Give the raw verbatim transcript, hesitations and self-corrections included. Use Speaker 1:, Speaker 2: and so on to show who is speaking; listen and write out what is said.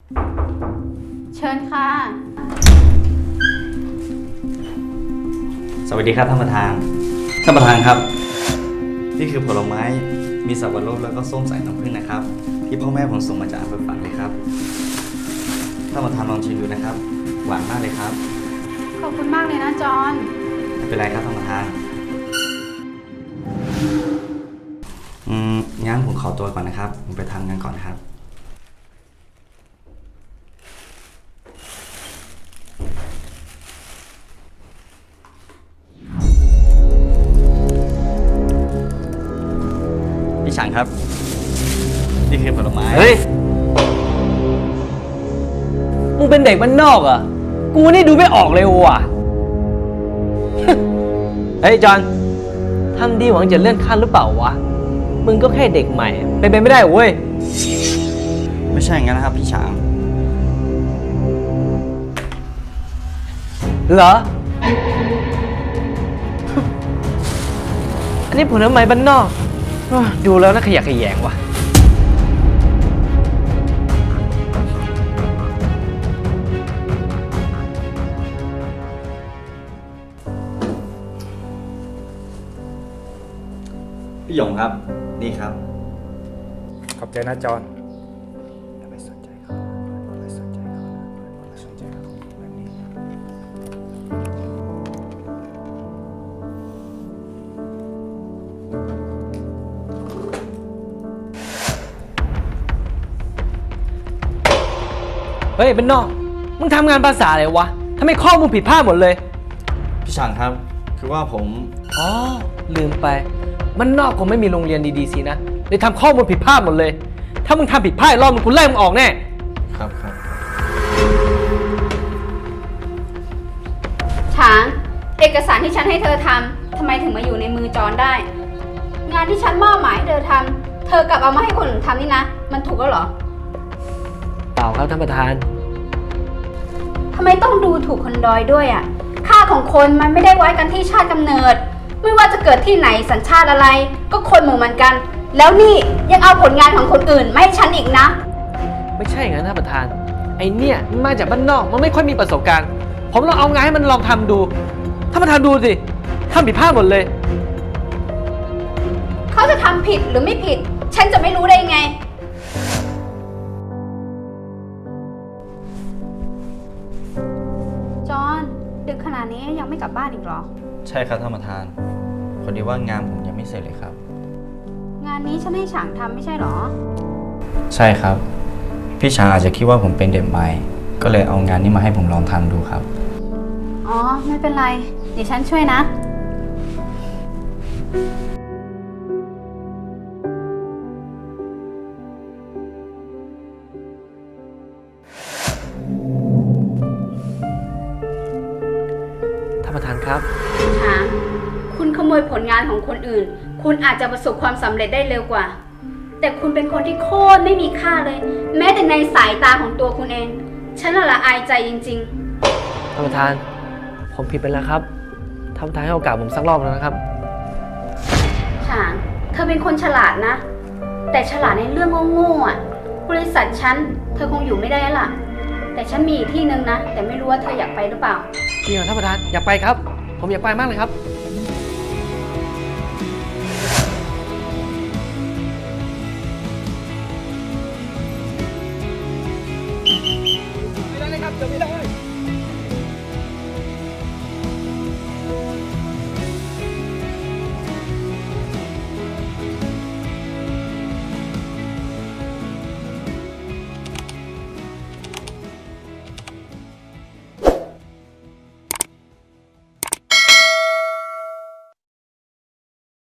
Speaker 1: เชิญค่ะ
Speaker 2: สวัสดีครับท่านประธานท่านประธานครับ นี่คือผลไม้มีสับปะรดแล้วก็ส้มสายน้ำผึ้งนะครับ ที่พ่อแม่ผมส่งมาจากอำเภอฝางเลยครับท่านประธานลองชิมดูนะครับ หวานมากเลยครับ
Speaker 1: ขอบคุณมากเลยนะจอน
Speaker 2: ไม่เป็นไรครับท่านประธานอืมงั้นผมขอตัวก่อนนะครับผมไปทำงานก่อนนะครับพี่ฉันครับนี่คือผลไม้
Speaker 3: เฮ้ย มึงเป็นเด็กบ้านนอกเหรอ่ะ กูนี่ดูไม่ออกเลยว่ะ เฮ้ยจอนทำดีหวังจะเลื่อนขั้นหรือเปล่าวะ มึงก็แค่เด็กใหม่ เป็นไปไม่ได้เว้ย
Speaker 2: ไม่ใช่อย่างนั้นนะครับพี่ฉาง
Speaker 3: เหรอ อันนี้ผลไม้บ้านนอกอ้อดูแล้วน่าขยะแขยงว่ะ
Speaker 2: พี่หยงครับนี่ครับ
Speaker 4: ขอบใจนะจอน
Speaker 2: อย่าไปสนใจเขาอย่าไปสนใจเขาอย่าไปสนใจเขาแบบนี้
Speaker 3: เฮ้ยบ้านนอก มึงทำงานภาษาอะไรวะทำไมข้อมูลผิดพลาดหมดเลย
Speaker 2: พี่ฉางครับคือว่าผม
Speaker 3: อ๋อ ลืมไปบ้านนอกคงไม่มีโรงเรียนดีๆสินะเลยทำข้อมูลผิดพลาดหมดเลย ถ้ามึงทำผิดพลาดอีกรอบมึงกูไล่มึงออกแน่
Speaker 2: ครับครับ
Speaker 1: ช้าง เอกสารที่ฉันให้เธอทำทำไมถึงมาอยู่ในมือจอนได้ งานที่ฉันมอบหมายให้เธอทำเธอกลับเอามาให้คนอื่นทำนี่นะ มันถูกแล้วเหรอ
Speaker 3: เปล่าครับท่านประธาน
Speaker 1: ทำไมต้องดูถูกคนดอยด้วยอ่ะ ค่าของคนมันไม่ได้ไว้กันที่ชาติกำเนิด ไม่ว่าจะเกิดที่ไหนสัญชาติอะไร ก็คนเหมือนกัน แล้วนี่ยังเอาผลงานของคนอื่นมาให้ฉันอีกนะ
Speaker 3: ไม่ใช่อย่างนั้นท่านประธาน ไอเนี่ยมันมาจากบ้านนอก มันไม่ค่อยมีประสบการณ์ ผมลองเอางานให้มันลองทำดู ท่านประธานดูสิทำผิดพลาดหมดเลย
Speaker 1: เขาจะทำผิดหรือไม่ผิด ฉันจะไม่รู้ได้ไง จอน ดึกขนาดนี้ยังไม่กลับบ้านอีกเหรอ
Speaker 2: ใช่ครับท่านประธานพอดีว่างานผมยังไม่เสร็จเลยครับ
Speaker 1: งานนี้ฉันให้ฉางทำไม่ใช่เหรอ
Speaker 2: ใช่ครับ พี่ฉางอาจจะคิดว่าผมเป็นเด็กใหม่ก็เลยเอางานนี้มาให้ผมลองทำดูครับ
Speaker 1: อ๋อ ไม่เป็นไร เดี๋ยวฉันช่วยนะ
Speaker 3: ท่านประธานครับ
Speaker 1: ช้าง คุณขโมยผลงานของคนอื่น คุณอาจจะประสบความสำเร็จได้เร็วกว่า แต่คุณเป็นคนที่โคตรไม่มีค่าเลย แม้แต่ในสายตาของตัวคุณเอง ฉันน่ะละอายใจจริง
Speaker 3: ท่านประธาน ผมผิดไปแล้วครับ ท่านประธานให้โอกาสผมสักรอบแล้วนะครับ
Speaker 1: ๆช้าง เธอเป็นคนฉลาดนะ แต่ฉลาดในเรื่องโง่ๆอ่ะ บริษัทฉัน เธอคงอยู่ไม่ได้แล้วล่ะ แต่ฉันมีอีกที่นึงนะ แต่ไม่รู้ว่าเธออยากไปหรือเปล่า
Speaker 3: จริงเหรอท่านประธาน อยากไปครับ ผมอยากไปมากเลยครับ ไม่ได้เลยครับเดี๋ยวไม่ได้